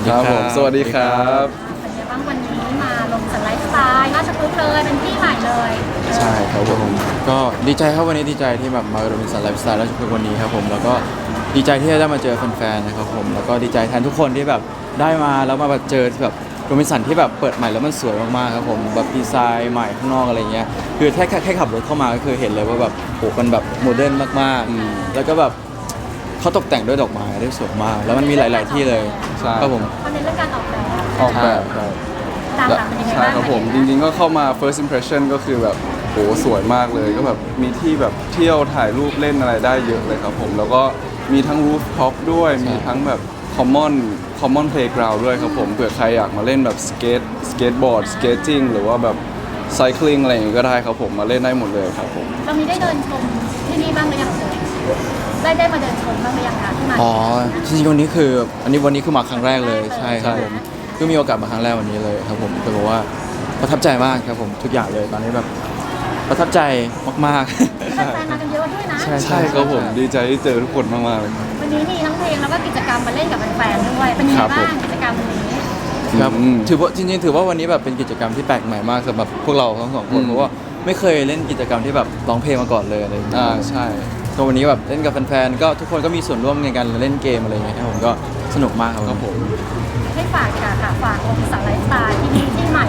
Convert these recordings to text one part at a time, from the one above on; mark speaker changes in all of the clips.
Speaker 1: ครับผมสวัสดีครับ
Speaker 2: เป็นไงบ้างวันนี้มาลงสันไลฟ์สไตล์ราชพฤกษ์เลยเป็นที่ใหม่เลย
Speaker 1: ใช่ครับผม
Speaker 3: ก็ดีใจครับวันนี้ดีใจที่แบบมาโรบินสันไลฟ์สไตล์ราชพฤกษ์วันนี้ครับผมแล้วก็ดีใจที่ได้มาเจอแฟนๆนะครับผมแล้วก็ดีใจแทนทุกคนที่แบบได้มาแล้วมาแบบเจอแบบโรบินสันที่แบบเปิดใหม่แล้วมันสวยมากๆครับผมแบบดีไซน์ใหม่ข้างนอกอะไรเงี้ยคือแค่ขับรถเข้ามาก็คือเห็นเลยว่าแบบโหมันแบบโมเดิร์นมากๆแล้วก็แบบเขาตกแต่งด้วยดอกไม้ได้สวยมาก แล้วมันมีหลาย ๆที่เลย
Speaker 1: ใช่
Speaker 3: ครับผม
Speaker 2: เขาเน้นเรื่องการออกแบบ
Speaker 1: ออกแบบ
Speaker 3: ใช่
Speaker 2: ตามหลังเป็นยังไง
Speaker 1: ใช่
Speaker 2: บ้าง
Speaker 1: ครับผมจริงๆก็เข้ามา first impression ก็คือแบบโหสวยมากเลยก็แบบมีที่แบบเที่ยวถ่ายรูปเล่นอะไรได้เยอะเลยครับผมแล้วก็มีทั้ง rooftop ด้วยมีทั้งแบบ common playground ด้วยครับผมเผื่อใครอยากมาเล่นแบบskateboard skating หรือว่าแบบ cycling อะไรอย่างงี้ก็ได้ครับผมมาเล่นได้หมดเลยครับผม
Speaker 2: เรามีได้เดินชมที่นี่บ้างหรือยังได้มาเดินชมบ้างหรือยังคะที่มา
Speaker 3: อ๋อจริงๆวันนี้คือมาครั้งแรกเลยใช่ครับ
Speaker 1: ใช่
Speaker 3: ผมก็มีโอกาสมาครั้งแรกวันนี้เลยครับผมแต่บอกว่าประทับใจมากครับผมทุกอย่างเลยตอนนี้แบบประทับใจมากๆ
Speaker 2: แฟนๆมากันเยอะด้วยนะ
Speaker 1: ใช่ครับผมดีใจที่เจอทุกคนมากๆเลยครับ
Speaker 2: วันนี้มีทั้งเพลงแล้วก็กิจกรรมมาเล่นกับแฟนๆด้วยเป็นยังไง
Speaker 3: ครับผม
Speaker 2: บ้างกิจกรรมวันนี้
Speaker 3: ครับ
Speaker 1: อืม
Speaker 3: ถือว่าจริงๆถือว่าวันนี้แบบเป็นกิจกรรมที่แปลกใหม่มากสำหรับพวกเราทั้งสองคนเพราะว่าไม่เคยเล่นกิจกรรมที่แบบร้องเพลงมาก่อนเลยอะไรอย่างเงี้ย
Speaker 1: ใช่
Speaker 3: ก็วันนี้แบบเล่นกับแฟนๆก็ทุกคนก็มีส่วนร่วมในการเล่นเกมอะไรอย่างเงี้ยครับผมก็สนุกมากครับ
Speaker 1: ครับผม
Speaker 2: ให้ฝากค่ะฝากองค์สันไลฟ์สไตล์ที่นี่ที่ใหม่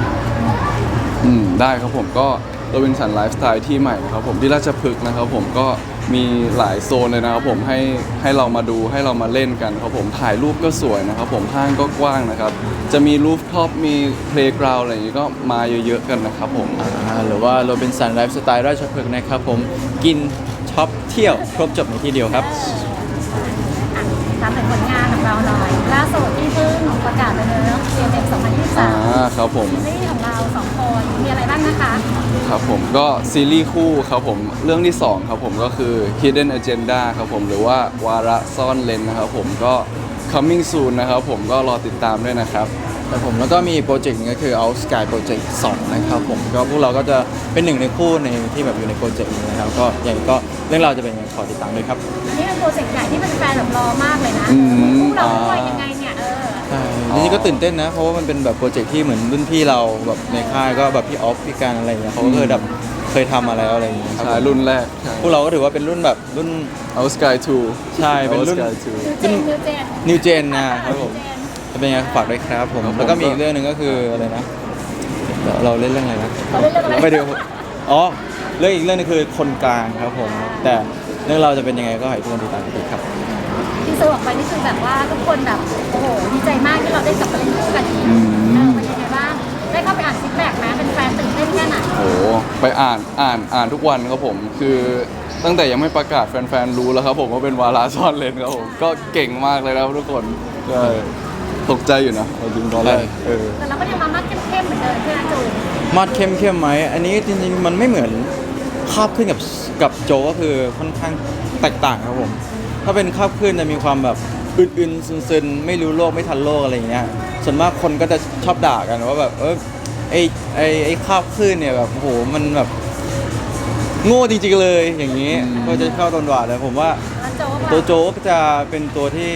Speaker 1: ได้ครับผมก็โรบินสันไลฟ์สไตล์ที่ใหม่นะครับผมที่ราชพฤกษ์นะครับผมก็มีหลายโซนเลยนะครับผมให้เรามาดูให้เรามาเล่นกันครับผมถ่ายรูปก็สวยนะครับผมห้างก็กว้างนะครับจะมีรูฟท็อปมีเพลย์กราวด์อะไรอย่างนี้ก็มาเยอะๆกันนะครับผม
Speaker 3: หรือว่าโรบินสันไลฟ์สไตล์ราชพฤกษ์นะครับผมกินช็อปเที่ยวครบจบในที่เดียวครับ
Speaker 2: ถามถึงผลงานของเราหน่อยล่าสุดที่เพิ่งประกาศไปเลยเนาะ CMX 2023
Speaker 1: ครับผม
Speaker 2: ซีรีส์ของเราสองคนมีอะไรบ้างนะคะ
Speaker 1: ครับผมก็ซีรีส์คู่ครับผมเรื่องที่สองครับผมก็คือ Hidden Agenda ครับผมหรือว่าวาระซ่อนเลนนะครับผมก็ coming soon นะครับผมก็รอติดตามด้วยนะครับ
Speaker 3: แต่ผมแล้วก็มีโปรเจกต์หนึงก็คือ Out Sky Project 2 นะครับผมก็พวกเราก็จะเป็นหนึ่งในคู่ในที่แบบอยู่ในโปรเจกต์นี้นะครับก็อย่างนี้ก็เรื่องราวจะเป็นยังไงขอติดตามด้วยครับ
Speaker 2: อันนี้เป็นโปรเจกต์ใหญ่ที่เป็นแฟนแบบรอมากเลยนะ
Speaker 1: อืม
Speaker 2: คู่เราด้วยยังไงเนี่ย
Speaker 3: ใช่จริงๆก็ตื่นเต้นนะเพราะว่ามันเป็นแบบโปรเจกต์ที่เหมือนรุ่นพี่เราแบบในค่ายก็แบบพี่ออฟพี่การอะไรอย่างเงี้ยเขาก็เคยทำมาแล้วอะไรอย่างเงี้ยครับ
Speaker 1: ใช่รุ่นแรกใช่
Speaker 3: พวกเราก็ถือว่าเป็นรุ่นแบบรุ่น
Speaker 1: Out Sky 2
Speaker 3: ใช่เป็นรุ่น
Speaker 1: Out Sky
Speaker 2: นิวเจน
Speaker 3: New Gen นะครับผมจะเป็นยังไงฝากด้วยครับผม
Speaker 1: ครับผม
Speaker 3: แล้วก็มีอีกเรื่องหนึ่งก็คืออะไรนะเราเล่นเรื่องอะไรนะ
Speaker 2: เราเล่นเรื่องอะไร
Speaker 3: ไม่เดียวอ๋อเรื่องอีกเรื่องนึงคือคนกลางครับผม แต่เรื่องเราจะเป็นยังไงก็ให้ทุกคนติดตามกันครับ
Speaker 2: ที่ซื้อออกไปนี่คือแบบว่าทุกคนแบบโอ้โหดีใจมากที่เราได้กลับมาเล่นคู่กันอีกเป็นยังไงบ้างได้เข้าไปอ่านฟีดแบ็กไหมเป็นแฟนตื่นเต้นแค่ไหน
Speaker 1: โอ้โหไปอ่านทุกวันครับผมคือตั้งแต่ยังไม่ประกาศแฟนๆรู้แล้วครับผมว่าเป็นวาระซ่อนเลนครับผมก็เก่งมากเลยนะครับทุกคนใช่ตกใจอยู่นะเอาจริงตอนแรก
Speaker 2: แต่เราก็ยังมามัดเข้มๆเหมือนเดิมใช่ไหมจูน
Speaker 3: มาดเข้มไหมอันนี้จริงๆมันไม่เหมือนคาบขึ้นกับโจก็คือค่อนข้างแตกต่างครับผม ถ้าเป็นคาบขึ้นจะมีความแบบอึนๆซึนๆไม่รู้โลกไม่ทันโลกอะไรอย่างเงี้ยส่วนมากคนก็จะชอบด่ากันว่าแบบไอ้คาบขึ้นเนี่ยแบบโอ้โหมันแบบโง่จริงๆเลยอย่างนี้ก็จะเข้าตนหวาดแต่ผมว่า
Speaker 2: แล้วโจว่า
Speaker 3: ตัวโจ๊กจะเป็นตัวที่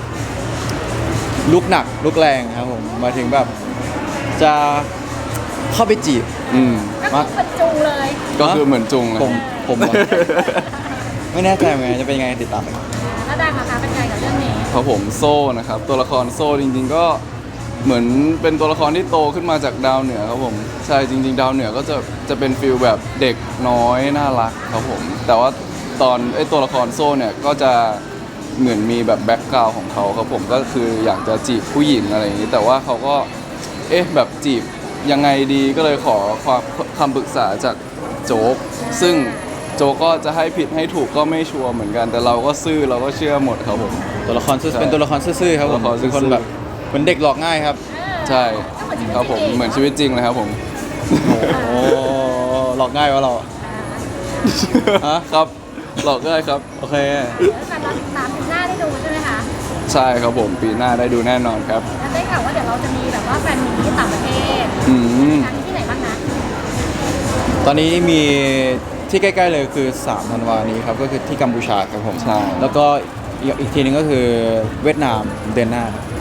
Speaker 3: ลุกหนักลุกแรงครับผมหมายถึงแบบจะเข้าไปจีบ
Speaker 1: อืม
Speaker 2: ก็คือเป็นจูเลย
Speaker 1: ก็คือเหมือนจุงเลย
Speaker 3: ผมเหรอ ไม่แน่ใจเหมือนกันจะเป็นยังไงติดตามกัน
Speaker 2: แล้วดังนะคะเป็นไงกับเรื่องนี้
Speaker 1: ครับผมโซ่นะครับตัวละครโซ่จริงๆก็เหมือนเป็นตัวละครที่โตขึ้นมาจากดาวเหนือครับผมใช่จริงๆดาวเหนือก็จะเป็นฟิลแบบเด็กน้อยน่ารักครับผมแต่ว่าตอนไอ้ตัวละครโซ่เนี่ยก็จะเหมือนมีแบบแบ็กกราวของเขาครับผมก็คืออยากจะจีบผู้หญิงอะไรอย่างนี้แต่ว่าเขาก็แบบจีบยังไงดีก็เลยขอคำปรึกษาจากโจ๊กซึ่งโจ๊กก็จะให้ผิดให้ถูกก็ไม่ชัวร์เหมือนกันแต่เราก็ซื่อเราก็เชื่อหมดครับผม
Speaker 3: ตัวละครซื่อ
Speaker 1: ใช่
Speaker 3: เป็นตัวละครซื่อๆครับผม
Speaker 1: ตัวละครซื่
Speaker 3: เป็
Speaker 1: อๆ
Speaker 3: นคนแบบเหมือนเด็กหลอกง่ายครับ
Speaker 1: ใช่ครับผมเหมือนชีวิตจริงเลยครับผม
Speaker 3: โอ้หลอกง่ายวะเรา ฮะ
Speaker 1: ครับหลอกได้ครับ
Speaker 3: โอเค
Speaker 2: แฟนเราติดตามปีหน้าได้ดูใช่ไหมคะ
Speaker 1: ใช่ครับผมปีหน้าได้ดูแน่นอนครับ
Speaker 2: แล้วได้ข่าวว่าเดี๋ยวเราจะมีแบบว่าแฟนมีที่ต่างประเทศ
Speaker 1: อืม
Speaker 2: ครั้งที่ไหนบ้างนะ
Speaker 3: ตอนนี้มีที่ใกล้ๆเลยคือ3ธันวานี้ครับก็คือที่กัมพูชาครับผม
Speaker 1: ใช่
Speaker 3: แล้วก็อีกทีนึงก็คือเวียดนามเดือนหน้าครับ
Speaker 2: อ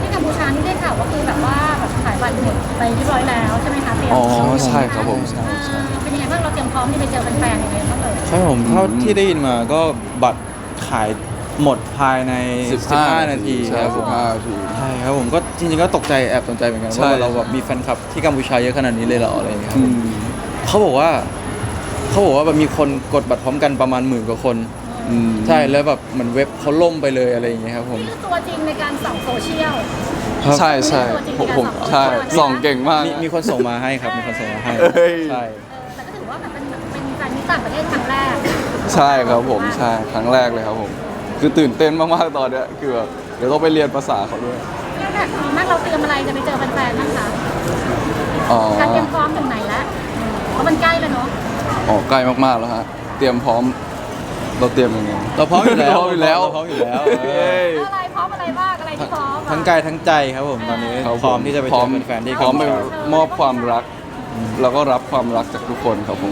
Speaker 2: ที่กัมพูชานี่ได้ข่าวว่าคือแบบว่าแบบขายบัตรหมดไปเรียบร้อยแล้วใช่ไหมคะเตรียม
Speaker 1: อ๋อใช่ครับผมใช่ใช่
Speaker 2: เป็นยังไงบ้างเราเตรียมพร้อมที่ไปเจอแฟนๆยังไงบ้างเอ่ย
Speaker 3: ใช่ผมเท่าที่ได้ยินมาก็บัตรขายหมดภายใน 15 นาที
Speaker 1: ใช่
Speaker 3: ครับผม
Speaker 1: 15 นาที
Speaker 3: ใช่ครับผมก็จริงๆก็ตกใจแอบตกใจเหมือนกัน
Speaker 1: ใช่
Speaker 3: ว่าเราแบบมีแฟนคลับที่กัมพูชาเยอะขนาดนี้เลยเหรออะไรอย่างเงี้ยครับ
Speaker 1: อื
Speaker 3: ผม
Speaker 1: ม
Speaker 3: เขาบอกว่าแบบมีคนกดบัตรพร้อมกันประมาณหมื่นกว่าคน
Speaker 1: อืม
Speaker 3: ใช่แล้วแบบเหมือนเว็บเขาล่มไปเลยอะไรอย่างเงี้ยครับผม
Speaker 2: นี่คือตัวจริงในการส่องโซเชียล
Speaker 3: ครับ
Speaker 1: ใช่ใช่ผมใช่ส่องเก่งมาก
Speaker 3: มีคนส่งมาให้ครับมีคนส่งมาให้
Speaker 1: เอ้ย
Speaker 3: ใช่
Speaker 2: แต่ก็ถือว่าแบบเป็นแฟนมิตรต่างประเทศครั้งแรก
Speaker 1: ใช่ครับผมใช่ครั้งแรกเลยครับผม คือตื่นเต้นมากๆตอนเนี้ยคือแบบเดี๋ยวต้องไปเรียนภาษาเขาด้วย
Speaker 2: แล้วแบบดีมากเราเตรียมอะไรจะไปเจอแฟนๆบ้างคะ
Speaker 1: อ๋อ
Speaker 2: การเตรียมพร้อมถึงไหนแล้วเพราะมันใกล้แล้วเนาะ
Speaker 1: อ๋อใกล้มากๆแล้วฮะเตรียมพร้อมเราเตรียมยังไง
Speaker 3: เราพร้อมอยู่แล้ว
Speaker 1: พร้อมอยู่แล้ว
Speaker 3: เราพร้อมอยู่แล้ว
Speaker 1: เย้ย
Speaker 2: อะไรพร้อมอะไรบ้างอะไรที่พร้อมอะ
Speaker 3: ทั้งกายทั้งใจครับผมตอนนี้
Speaker 1: ครับ
Speaker 3: พร้อมที่จะไปเจอแฟนๆที่
Speaker 1: พร้อมไป
Speaker 3: กัมพูชาม
Speaker 1: อบความรัก แล้วก็รับความรักจากทุกคนครับผม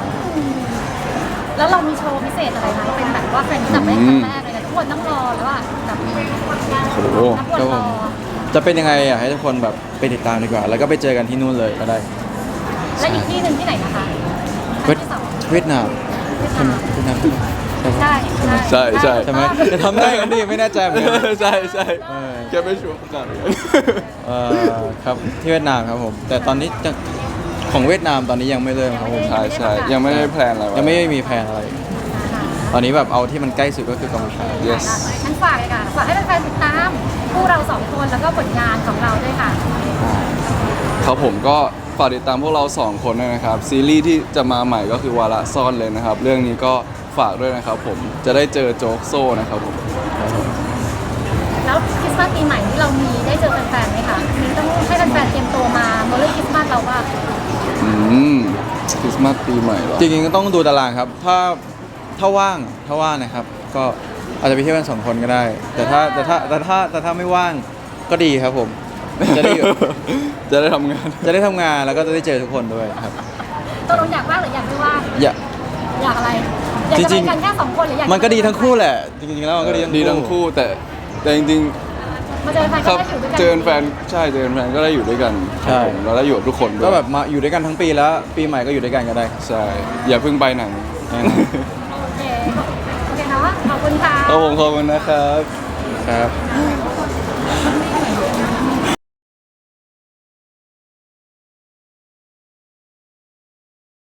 Speaker 2: แล้วเรามีโชว์พิเศษอะไรไหมเป็นแบบว่าแฟนมิตรต่างประเทศครั้งแรกเลยนะทุกคนต้องรอแล้วว่าแบบ
Speaker 1: โอ้โห
Speaker 2: นับวันรอ
Speaker 3: จะเป็นยังไงอยากให้ทุกคนแบบไปติดตามดีกว่า แล้วก็ไปเจอกันที่นู่นเลยก็ได้
Speaker 2: และอีกที่หนึ่งที่ไหนนะคะ
Speaker 3: เวียด
Speaker 2: ที่สอง
Speaker 3: เวียดนาม
Speaker 2: เวียดนาม
Speaker 3: เวียดนาม
Speaker 2: ใช่
Speaker 1: ใช่ใช่
Speaker 3: ใช่ไหมจะทำได้กันดิไม่แน่ใจเหมือนกัน
Speaker 1: ใช่ใช่
Speaker 3: เออ
Speaker 1: แค่ไม่ชัวร์กัน
Speaker 3: ครับที่เวียดนามครับผม แต่ตอนนี้จะของเวียดนามตอนนี้ยังไม่เริ่มครับผม
Speaker 1: ใช่ใช่ยังไม่ได้แพลนอะไรไว้
Speaker 3: ยังไม่มีแผนอะไร ตอนนี้แบบเอาที่มันใกล้สุดก็คือกัมพูชา
Speaker 1: yes
Speaker 2: ฉันฝากเลยค่ะฝากให้แฟนๆติดตามคู่เราสองคนแล้วก็ผลงานของเราด้วยค่ะ
Speaker 1: ครับผมก็ฝากติดตามพวกเรา 2 คนด้วยนะครับ ซีรีส์ที่จะมาใหม่ก็คือวาระซ่อนเลยนะครับ เรื่องนี้ก็ฝากด้วยนะครับผมจะได้เจอโจ๊กโซ่นะครับผม
Speaker 2: แล้วคริสต์มาสปีใหม่ที่เรามีได้เจอแฟนๆไหมคะมีต้องให้แฟนๆเตรียมตัวมาเมื่อเรื่องคริสต์มาสเราว่า
Speaker 1: อืมคริสต์มาสปีใหม่เหรอ
Speaker 3: จริงๆก็ต้องดูตารางครับ ถ้าว่างนะครับ ก็อาจจะไปเที่ยวกัน2 คนก็ได้ แต่ถ้าไม่ว่างก็ดีครับผม จะได้
Speaker 1: จะได้ทำงาน
Speaker 3: จะได้ทำงานแล้วก็จะได้เจอทุกคนด้วยครับ
Speaker 2: ตัวเราอยากว่างหรืออยากไม่ว่าง
Speaker 3: อย่า
Speaker 2: อยากอะไรอยากจะ
Speaker 3: จริ
Speaker 2: ไป
Speaker 3: งๆ
Speaker 2: กันแค่สองคนหรืออยาก
Speaker 3: มันก็ดีทั้งคู่แหละ จริงๆแล้วมันก็ดี
Speaker 1: ดี
Speaker 3: ทั้
Speaker 1: ทั้
Speaker 3: ง
Speaker 1: ง
Speaker 3: คู่
Speaker 1: คู่แต่จริงๆ
Speaker 2: มาเจอแฟน
Speaker 1: ค
Speaker 2: ก็
Speaker 1: รับ
Speaker 2: ได้อยู่ด้วยกัน
Speaker 1: เจอแฟนใช่เจอแฟนก็ได้อยู่ด้วยกันครับผมเราได้อยู่กับทุกคนด้วย
Speaker 3: ก็แบบมาอยู่ด้วยกันทั้งปีแล้ว ปีใหม่ก็อยู่ด้วยกันก็ได้ครับ
Speaker 1: ใช่อย่าเพิ่งไปไหน
Speaker 3: แน่นอน
Speaker 2: โอเคโอเคเนาะขอบคุณค่ะ
Speaker 1: ครับผมขอบคุณนะครับ
Speaker 3: ครับ
Speaker 2: โอเค